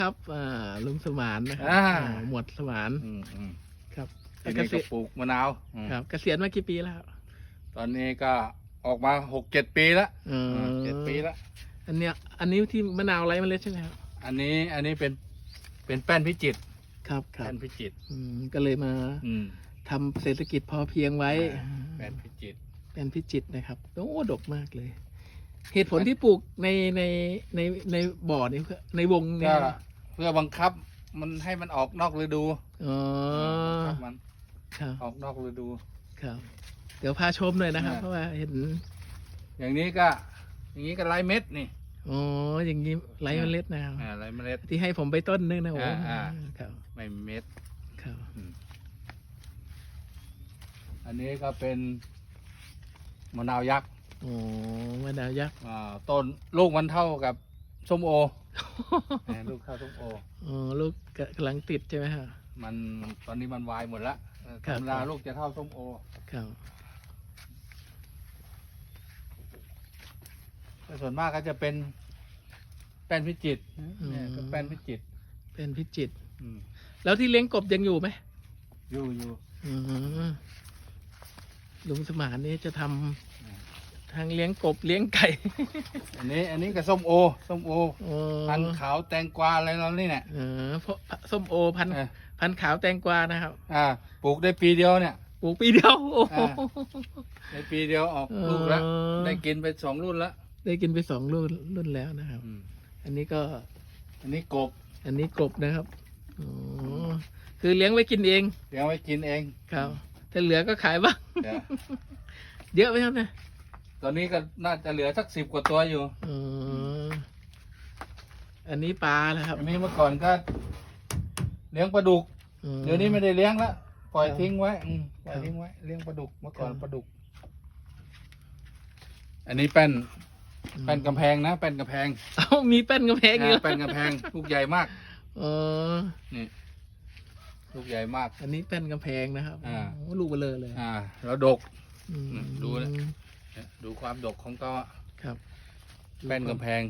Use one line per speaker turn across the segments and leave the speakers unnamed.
ครับลุงสมานนะครับหมวดสมานครับ
ทีนี้ก็ปลูกมะนาว
ครับเกษียณมากี่ปีแล้ว
ตอนนี้ก็ออกมา6-7 ปีแล้ว7 ปีแล้ว
อันนี้ที่มะนาวไร้เมล็ดใช่ไหมครับ
อันนี้เป็นแป้นพิจิตร
ครับ
แป้นพิจิตร
ก็เลยมาทำเศรษฐกิจพอเพียงไว้
แป้นพิจิตร
นะครับโอ้ดกมากเลย เหตุผลที่ปลูกในบ่อนี้ในวงนี้
เพื่อบังคับมันให้มันออกนอกฤดูครับมันออกนอกฤดู
ครับเดี๋ยวพาชมหน่อยนะครับเพราะว่าเห็น
อย่างนี้ก็ไร้เม็ดนี่
อ๋ออย่างนี้ไร้เมล็ดนะครับ
ไร้เมล็ด
ที่ให้ผมไปต้นนึงนะโอ้
ครับไม่เม็ด
ครับ
อันนี้ก็เป็นมะนาวยักษ์
โอ้มะนาวยักษ์
ต้นลูกมันเท่ากับส้มโอลูกเท่าส้มโอ
ลูกกำลังติดใช่ไหมครับ
มันตอนนี้มันวายหมดแล้วธรรมดาลูกจะเท่าส้มโอ
ครับ
แต่ส่วนมากก็จะเป็นแป้นพิจิตรเนี่ยก็แป้นพิจิตร
แล้วที่เลี้ยงกบยังอยู่ไหม
อยู่
ลุงสมานนี่จะทำทางเลี้ยงกบเลี้ยงไก่
อันนี้ก็ส้มโอพันขาวแตงกวาอะไรเรานี่เนี่ย
เพราะส้มโอพันขาวแตงกวานะครับ
ปลูกได้ปีเดียวเนี่ย
ปลูกปีเดียว
ในปีเดียวออกลูกแล้วได้กินไป2 รุ่นแล้ว
ได้กินไป2 รุ่นแล้วนะครับอันนี้กบอันนี้กบนะครับคือเลี้ยงไว้กินเองครับถ้าเหลือก็ขายบ้างเยอะไหมครับเนี่ย
ตอนนี้ก็น่าจะเหลือสัก10 กว่าตัวอยู่
อันนี้ปลาแล้วครับ
อันนี้เมื่อก่อนก็เลี้ยงปลาดุกเดี๋ยวนี้ไม่ได้เลี้ยงแล้วปล่อยทิ้งไว้เลี้ยงปลาดุกเมื่อก่อนปลาดุกอันนี้แป้นกำแพงนะแป้นกำแพง
มีแป้นกำแพงอยู่
แป้นกำแพงลูกใหญ่มากนี่ลูกใหญ่มาก
อันนี้แป้นกำแพงนะครับลูกเบลอเลย
แล้วดกดูนะดูความดกของก็
ครับ
แป้นกำแพง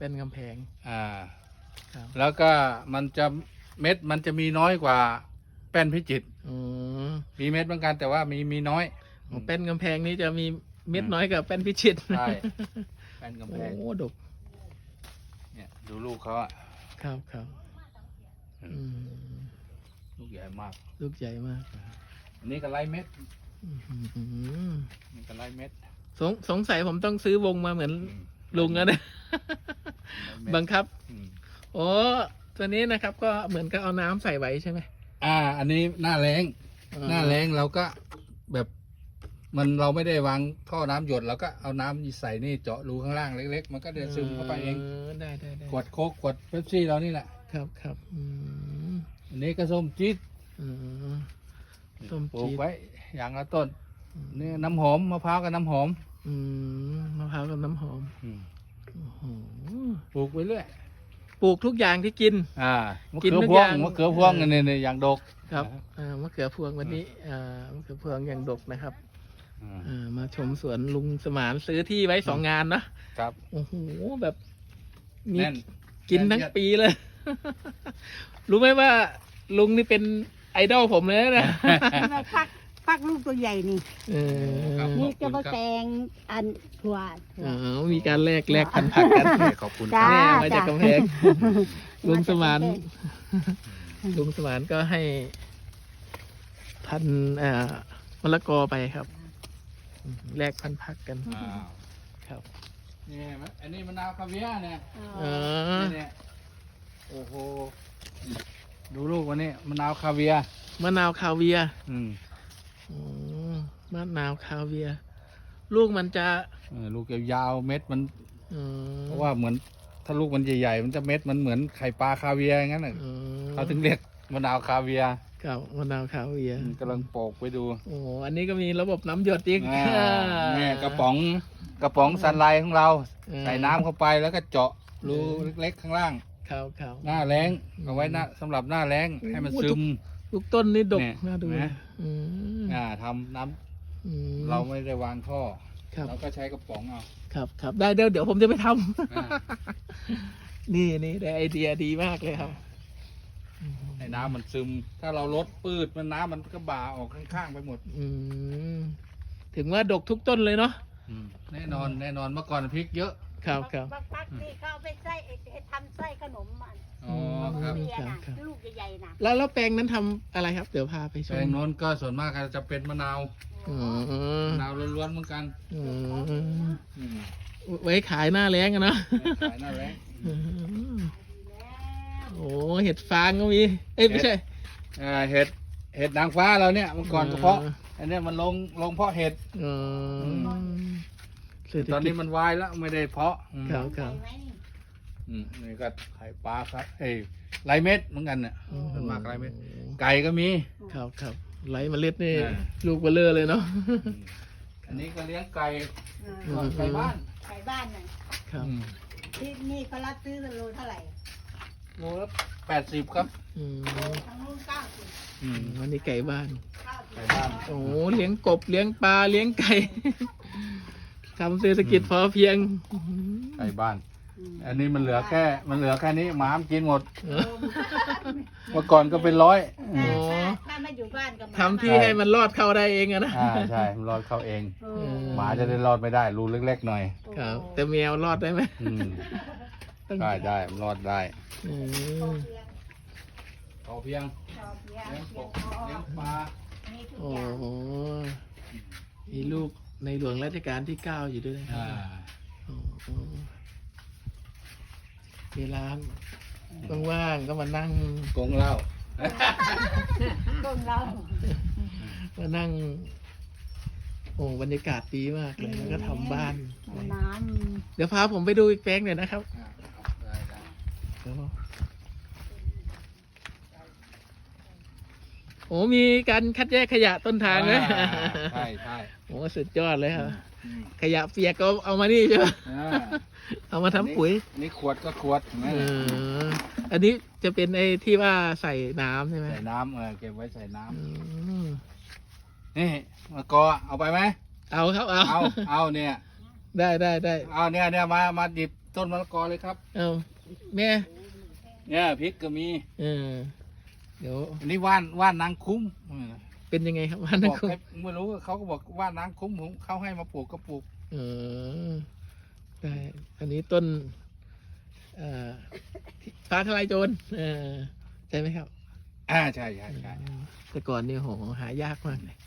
แล้วก็เม็ดมันจะมีน้อยกว่าแป้นพิจิตรมีเม็ดเหมือนกันแต่ว่ามีน้อย
แป้นกำแพงนี้จะมีเม็ดน้อยกับแป้นพิจิตร
ใช่แป้นกำแพง
โอ้ดก
เนี่ยดูลูกเขา
ครับ
ลูกใหญ่มาก อันนี้ก็ไล่เม็ดนี่ก็ไล่เม็ด
สงสัยผมต้องซื้อวงมาเหมือนลุงนะบังคับตัวนี้นะครับก็เหมือนกับเอาน้ำใส่ไว้ใช่ไหม
อันนี้หน้าแรงเราก็แบบเราไม่ได้วางท่อน้ำหยดเราก็เอาน้ำใส่นี่เจาะรูข้างล่างเล็กๆมันก็เดินซึมเข้าไปเอง
ได้
ขวดโค้กขวดเป๊ปซี่เรานี่แหละ
ครับ
อันนี้ก็ส้มจี๊ดปลูกไว้อย่างละต้นนี่น้ำหอมมะพร้าวกับน้ำหอม
มะพร้าวกับน้ำหอม
ปลูกไปเรื่อย
ปลูกทุกอย่างที่กิน
มะเขือพวงเนี่ยอย่างดก
ครับมะเขือพวงวันนี้มะเขือพวงอย่างดกนะครับมาชมสวนลุงสมานซื้อที่ไว้2 งานนะครับโอ้โหแบบมีกินทั้งปีเลย รู้ไหมว่าลุงนี่เป็นไอดอลผมเลยนะ
ฟักลูกตัวใหญ่นี่นี่จะมาแตงอันถั่ว
มีการแลกพันธุ์ผักกัน
ขอบคุณ
แม่มาจากกำแพงลุงสมานก็ให้พันมะละกอไปครับแลกพันธุ์ผักกันครับ
นี่อันนี้มะนาวคาเวียเนี่ยโอ้โหดูลูกวันนี้มะนาวคาเวีย
มะนาวคาเวียลูกมันจะ
ลูกยาวเม็ดมันเพราะว่าเหมือนถ้าลูกมันใหญ่ๆมันจะเม็ดมันเหมือนไข่ปลาคาเวียอย่างนั้นเขาถึงเรียกมะนาวคาเวีย
ครับมะนาวคาเวีย
กำลังปอกไปดู
อันนี้ก็มีระบบน้ำหยดอีก
นี่กระป๋องซันไลท์ของเราใส่น้ำเข้าไปแล้วก็เจาะรูเล็กๆข้างล่างหน้าแล้งเอาไว้สำหรับหน้าแล้งให้มันซึม
ลูกต้นนี่ดกน่าดู
ทำน้ำเราไม่ได้วางท่อเราก็ใช้กระป๋องเอา
ครับได้เดี๋ยวผมจะไปทำนี่ได้ไอเดียดีมากเลยครับ
ให้น้ำมันซึม ถ้าเราลดปืดมันน้ำมันก็บ่าออกข้างๆไปหมด
อืมถึงว่าดกทุกต้นเลยเนาะ
แน่นอนเมื่อก่อนพริกเยอะ
ครับ
บางพักนี่เขาเอาไปไส้ทำไส้ขนมมัน
อ๋อครับ
เบียร์นะลูกใหญ่ๆนะ
แล้วแปลงนั้นทำอะไรครับ เดี๋ยวพาไปช
แปล
ม
งโน้นก็ส่วนมากจะเป็นมะนาว
อ๋อ
มะนาวล้วนๆเหมือนกัน
อืม
อืม
ไว้ขายหน้าแล้งกันเนาะ
ขายหน้าแรง
อืมโอ้เห็ดฟางก็มี เอ้ยไม่ใช่
เห็ดนางฟ้าเราเนี่ยเมื่อก่อนเฉพาะอันเนี้ยมันลงเพาะเห็ด
อ๋อเศรษฐ
ตอน
กิ
นี้
จ
มันวายแล้วไม่ได้เพาะ
ครับครับ
ไหมนี่
นี่ก็ไข่ปลาครับไรเม็ดเหมือนกันเนี่ยส่วนมากไรเม็ดไก่ก็มี
ครับครับไหลเมล็ดนี่
อ่า
ลูกเบลเลอร์เลยเนาะ
อันนี้ก็เลี้ยงไก่
อืม
ไก่บ้าน
ไก่บ้านน่ะ
ครับ
ที่นี่เขารับซื้อโลเท่าไหร่
โลละ80ครับ
อืม
ทางนู้น90
วันนี้ไก่บ้าน
ไก่บ้าน
โอ้เลี้ยงกบเลี้ยงปลาเลี้ยงไก่ ทำเศรษฐกิจพอเพียง
ไก่บ้าน อันนี้มันเหลือแค่นี้หมามันกินหมด
เออ
เมื่อก่อนก็เป็นร้อย
อ๋อ
ถ้าไม่อยู่บ้านก็
ทำที่ให้มันรอดเข้าได้เองอะนะ
ใช่มันรอดเข้าเอง
โอ้
หมาจะได้รอดไม่ได้รูเล็กๆหน่อย
ครับ แต่แมวรอดได้ไหม ต้อง
ได้มันรอดได้
อืม
พอเพียง
ชอบเลี้ยง
เลี้ยงก
เลี้ยง
บเลี้ยงปลา
มีทุก
โอ้
อย่าง
โหมีลูกในหลวงรัชกาลที่ 9 อยู่ด้วยนะครั
อ่า
บโอ้โหเวลาว่างๆก็มานั่ง
กงเหล้า
ต้นเรา
มานั่ง โอ้บรรยากาศดีมากเลยแล้วก็ทำบ้าน
น้
เดี๋ยวพาผมไปดูอีกแปลงหน่อยนะครับ
ได้
โอ้มีการคัดแยกขยะต้นทางเลย
ใช่ใช่
โอ้สุดยอดเลยครับ ขยะเปียกก็เอามานี่ใช่ไหม เอามาทำปุ๋ย
อันนี้ขวดก็ขวดเห็นไหม
เอออันนี้จะเป็นไอ้ที่ว่าใส่น้ำใช่ไหม
ใส่น้ำเก็บไว้ใส่น้
อืม
ำนี่มะกอเอาไปไหม
เอาครับเอา
เอาเนี่ย
ได้
เอาเนี่ยมาดิบต้นมะละกอเลยครับ
เอาแม่
เนี่ยพริกก็มี
เออเดี๋ยว
อันนี้ว่านนางคุ้ม
เป็นยังไงครับว่า
บ
นั่น
อก
คุณ
ให้ไม่รู้เขาก็บอกว่านนางคุ้มผมเขาให้มาปลูกก็ปลูก
เออได้อันนี้ต้นฟ้าทลายโจรใช่ไหมครับ
ใช่
แต่ก่อนนี่โหหายากมากเลย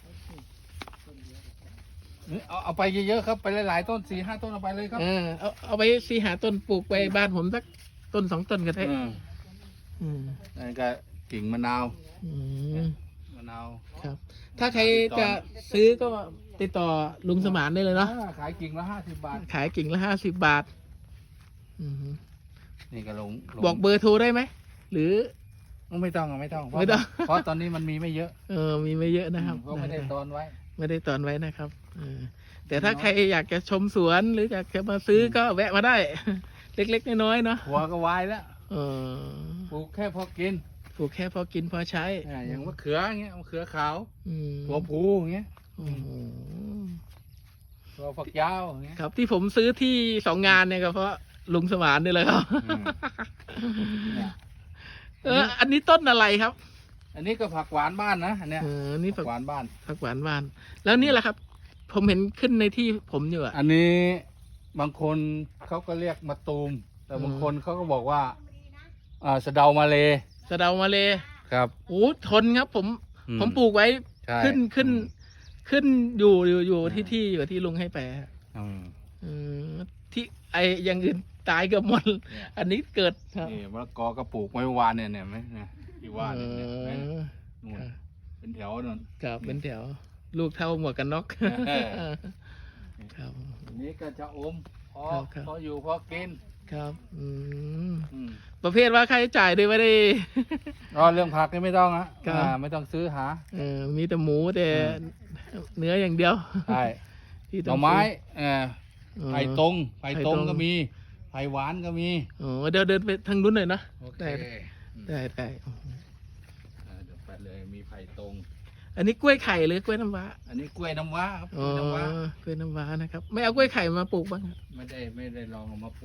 เอาไปเยอะๆครับไปหลายๆต้น4-5 ต้นเอาไปเลยครับ
เอาไปหาต้นปลูกไปบ้านผมสักต้น 2 ต้นก็ได้ อืม
นั่นก็กิ่งมะนาว
อืม
มะนาว
ครับ ถ้าใครจะซื้อก็ติดต่อลุงสมานได้เลยเนาะ
ขายกิ่งละ50 บาท
ขายกิ่งละ50 บาท อืม
นี่ก็ลง
บอกเบอร์โทรได้ไหม หรือ
ไม่ต้อง
ไม่ต้อง
เพราะตอนนี้มันมีไม่เยอะ
มีไม่เยอะนะครับ
เพราะไม่ได้ตอนไว้
ไม่ได้ตอนไว้นะครับแต่ถ้าใครอยากจะชมสวนหรืออยากจะมาซื้อก็แวะมาได้ เล็กๆน้อยๆเนาะ
หัวก็วายแล้ว
เออ
ปลูกแค่พอกิน
ปลูกแค่พอกินพอใช้
อย่างมะเขืออย่างเงี้ยมะเขือขาว
อืม
หัวผูอย่างเงี้ย
โอ้โห
ตัวฝักยาวอย่างเงี้ย
ครับที่ผมซื้อที่2 งานเนี่ยก็เพราะลุงสมานนี่แหละครับ
เนี่ย
อันนี้ต้นอะไรครับ
อันนี้ก็ผักหวานบ้านนะอันเนี้ย
นี่
ผักหวานบ้าน
ผักหวานบ้าน แล้วนี่แหละครับ ผมเห็นขึ้นในที่ผมอยู่อะ
อันนี้บางคนเขาก็เรียกมะตูม แต่บางคนเขาก็บอกว่าสะเดามาเล
สะเดามาเลย
ครับ
โอ้ทนครับ ผมปลูกไว้
ใช่
ขึ้นอยู่ที่อยู่ที่ลุงให้ไปฮะ
อืม
ที่ไออย่างอื่นตายเกือบหมด
เนี่ย
อันนี้เกิดครับ
นี่มะละกอก็ปลูกไว้วานเนี่ยไหมเนี่ยที่ว่าเนี่ยเห็นไหมนู่นเป็นแถวนั่น
ครับเป็นแถว ลูกเท่าหมวกกันน็อก
เออ
ครับ
อันนี้ก็จะอมพอ
ครับ
พออยู่พอกิน
ครับ
อืม
ประเภทว่าค่าใช้จ่ายด้วยไม่ได้
เรื่องผักนี่ไม่ต้องนะครับ ไม่ต้องซื้อหา
มีแต่หมูแต่
อื
เนื้ออย่างเดียว
ใช่
ที่
ห
ต้
น่
อ
อง ไม้
ซื้อ
ไผ่ตรง
ไผ่ตรง
ก็มีไผ่หวานก็มี
เดี๋ยวเดินไปทางนู้นหน่อยนะ
โอเค
ได้
เดี๋ยวไปเลยมีไผ่ตรง
อันนี้กล้วยไข่หรือกล้วยน้ำว้า
อันนี้กล้วยน้ำว้าครับก
อ๋
ล้
อ
วยน้ำว้าก
ล้วยน้ำว้านะครับ ไม่เอากล้วยไข่มาปลูกบ้างครับ
ไม่ได้ลองเอามาปลูก
อ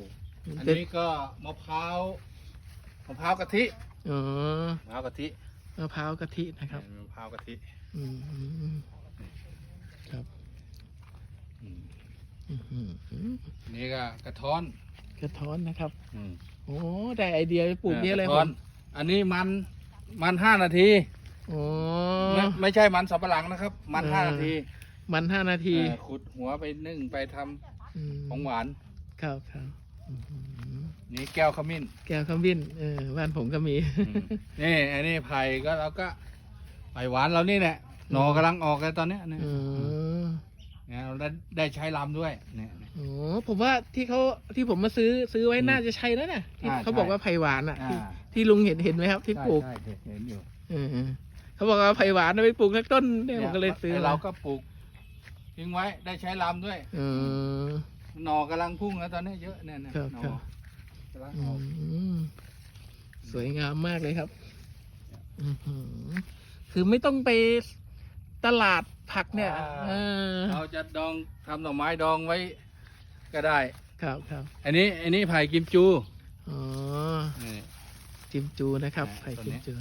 อันนี้ก็มะพร้าวกะทิ
อ๋อ
มะพร้าวกะทิ
มะพร้าวกะทินะครับ
มะพร้าวกะทิ
อืมครับ
อืม
อืม
อันนี้ก็กระท้อน
กระท้อนนะครับ
อืม
โอ้ได้ไอเดียไปปลูกนี่เลย
กระ
ผ
ท้อน
ม
อันนี้มัน5 นาที
อ๋อ
ไม่ใช่มันสับปะหลังนะครับ มัน 5 นาที
มัน5 นาที
ขุดหัวไปนึ่งไปทำ
อืม
ของหวาน
ครับครับอืม
นี่แก้วขมิ้น
แก้วขมิ้นบ้านผมก็มี
นี่อันนี้ไผ่ก็เราก็ไผ่หวานเรานี่แหละหน่อกำลังออกเลยตอนเนี้ยเนี่ย
อืม
เนี่ยเราได้ใช้ลำด้วยเนี่ย
โอ้ผมว่าที่ผมมาซื้อไว้น่าจะใช่แล้วนะที่
อ่า
เขาบอก
ใช่
ว่าไผ่หวานอ่ะ
อ่า
ที่ลุงเห็นไหมครับ ที่ปลูก
ใช่เห็นอยู่
เออเขาบอกว่าไผ่หวานเอาไปปลูกสักต้นเนี่ยผมก็เลยซื้อ
ไเราก็ปลูกทิ้งไว้ได้ใช้ลำด้วย
อืม
หน่อกำลังพุ่งแล้วตอนนี้เยอะเนี่ยนะครับ หน่
ค
อ
รับ
กำลัง
อื
ออก
มสวยงามมากเลยครับอื้อหือคือไม่ต้องไปตลาดผักเนี่ยเออ
เราจะดองทำหน่อไม้ดองไว้ก็ได้
ครับครับ
อันนี้ไผ่กิมจู
อ๋อ
นี่
จิมจูนะครับ
อ่า
ไผ่
ตัว
จิ
นี้
มจู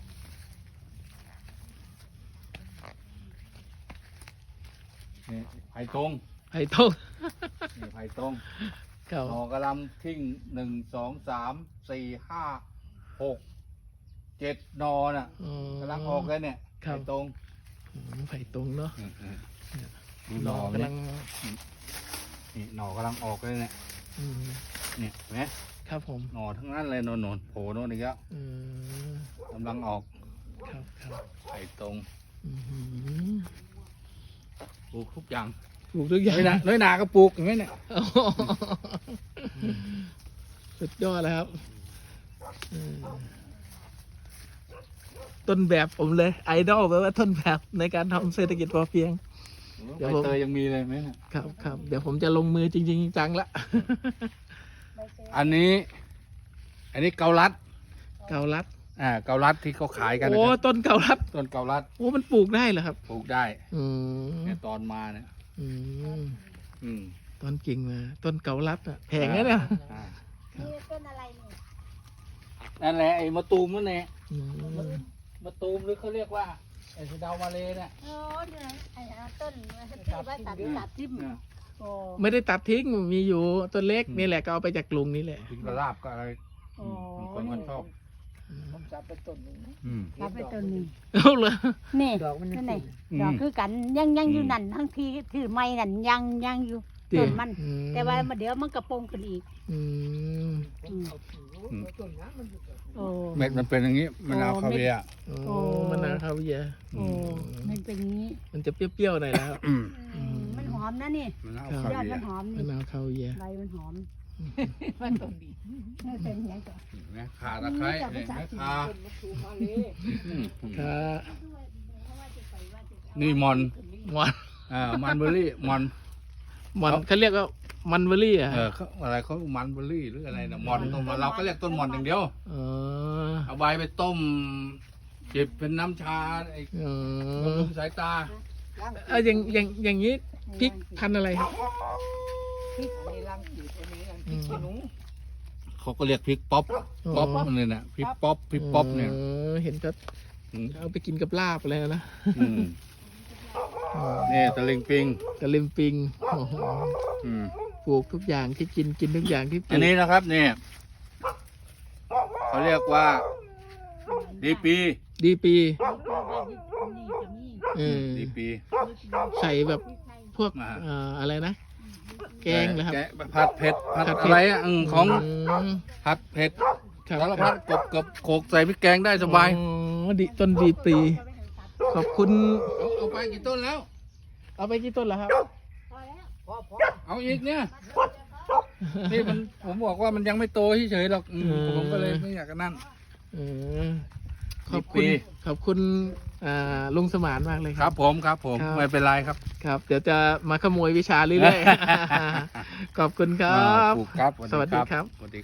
นี่ไผ่ตรง
ไผ่ต้ม
นี่ไผ่ตรง
ครับ
หน่อกำลังทิ้ง1 2 3 4 5 6 7หน่อน่ะ
อ๋อก
ำลังออกเลยเนี่ย
ครับ
ไผ่ตรง
อืมไผ่ตรงเนาะ
ดู
ห
ห
น่
น่
อ
อก
ำ
เนี่
ลั
ย
ง
นี่หน่อกำลังออกเลยเนี่ย
อืม
เนี่ยเห็นไหม
ครับผม
หน่อทั้งนั้นเลยโน่นโผล่โน่นอีกแล้ว
อืม
กำลังออก
ครับครับ
ไผ่ตรง
อื้อหือ
ปลูกทุกอย่าง
ปลูกทุกอย่าง
น้อยนาก็ปลูกอย่างนี้เนี่ย
โอ้โหสุดยอดเลยครับอืมต้นแบบผมเลย ไอดอลแปลว่าต้นแบบในการทำเศรษฐกิจพอเพียง เดี๋ยว
ใบ
ผม
เตยยังมีเลยไหมเนี่ย
ครับครับเดี๋ยวผมจะลงมือจริงๆจังๆละ
อันนี้เกาลัด
เกาลัด
เกาลัดที่เขาขายกันนะ
โอ้
ครับ
ต้นเกาลัด
ต้นเกาลัด
โอ้มันปลูกได้เหรอครับ
ปลูกได้
อืม
เนี่ยตอนมาเนี่ย
อืม
อืม
ต้นกิ่งมาต้นเกาลัดอะแพงนะเนี่ย
อ่า
นี่ต้นอะไรเนี่ย
นั่นแหละไอ้มะตูมนั่นแหละ
อืม
มะตูมหรือเขาเรียกว่าไอ้สะเดามาเลยเนี่ย
โอ้เนี่ยไอ้ต้นที่ว่าตัดทิ่มโอ้
ไม่ได้ตัดทิ้งมีอยู่ต้นเล็กนี่แหละก็เอาไปจากลุงนี่แหละ
กินกระลาบก็อะไร
โอ้
บางคนมันชอบ
ผมจับไปต้นหนึ่งนะ
อืม
รับไปต้นนี้
เอาเลย
นี่
ดอกมัน
นั่
ยั
น
ง
ไหน
ติด
ดอกคือกันยังอยู่นั่นทั้งที่ถือไม้นั่นยังอยู่ต้นมัน แต่ว่าเดี๋ยวมันกระโปรงขึ้นอีก
อืม
ต้นน้ำมันอยู่กับ
โอ้
เม็ดมันเป็นอย่างนี้มะนาวคาเวียร์
โอ้มะนาวคาเวียร์
โอ้มันเป็นอย่างนี้
มันจะเปรี้ยวๆหน่อยแล้ว
มันหอมนะนี่
มะนาว
ครับ
คาย
อด
เวีย
มัน
ร์
หอม
มะ
นี่
นาวคาเวียร์
ใบมันหอม
มันต้องดี
นี่เป็นอย่างนี้ก่อน
เห็นไหมข่าตะไคร้เห็นไหมข่า
ต้นมะตูมมาเลย
อืม
ค่ะ
นี่มอน
มอน
มันเบอร์รี่มอน
เขาเรียกว่ามันเบอร์รี่อ่ะ
เขาอะไรเขามันเบอร์รี่หรืออะไรนะมอนต้นมอนเราก็เรียกต้นมอนอย่างเดียว
อ๋อ
เอาใบไปต้มจิบเป็นน้ำชาไอ้
อ๋
บำ
อ
รุงสายตา
อย่างนี้พริกพันธุ์อะไรครับ
พริกในรังสีตัวนี้รังพริกขี้หนู
เขาก็เรียกพริกป๊อปป๊อปนี่นะพริกป๊อปพริกป๊อปเนี่ย
เห็นก็
อืม
เอาไปกินกับลาบอะไรนะ
อืมนี่ตะลิงปิง
กระลิมปิงโอ้โห
อืม
ปลูกทุกอย่างที่กินทุกอย่างที่ปลู
อั
ก
นนี้นะครับนี่เขาเรียกว่าดีปี
ดีปี
นี่จะมี
ดีปี
ใส่แบบพวก
อ่า
อะไรนะ แกงเหรอครับ
แกงผัดเผ็ดผัด
ผัดเผ็ด
อะไรอ่ะของ
ม
ผัดเผ็ด
ครับ
สารพัดกบกับโขกใส่พริกแกงได้สบาย
อ๋อดีต้นดีปี ขอบคุณ
เอาไปกี่ต้นแล้ว
เอาไปกี่ต้นแล้วครับ
เอาอีกเนี่ยนี่มันผมบอกว่ามันยังไม่โตเฉยๆหรอกผมก็เลยไม่อยากจะนั่น
เออขอบ
ดีปี
คุณขอบคุณลุงสมานมากเลย
ค
ค
รั
รั
บบ ผมครับผม
ครับ
ไม่เป็นไรครับ
ครับ เดี๋ยวจะมาขโมยวิชาเรื่อยๆ ขอบคุณครับ
ปลูกครับ
สวัสดีครับ
สวัสดี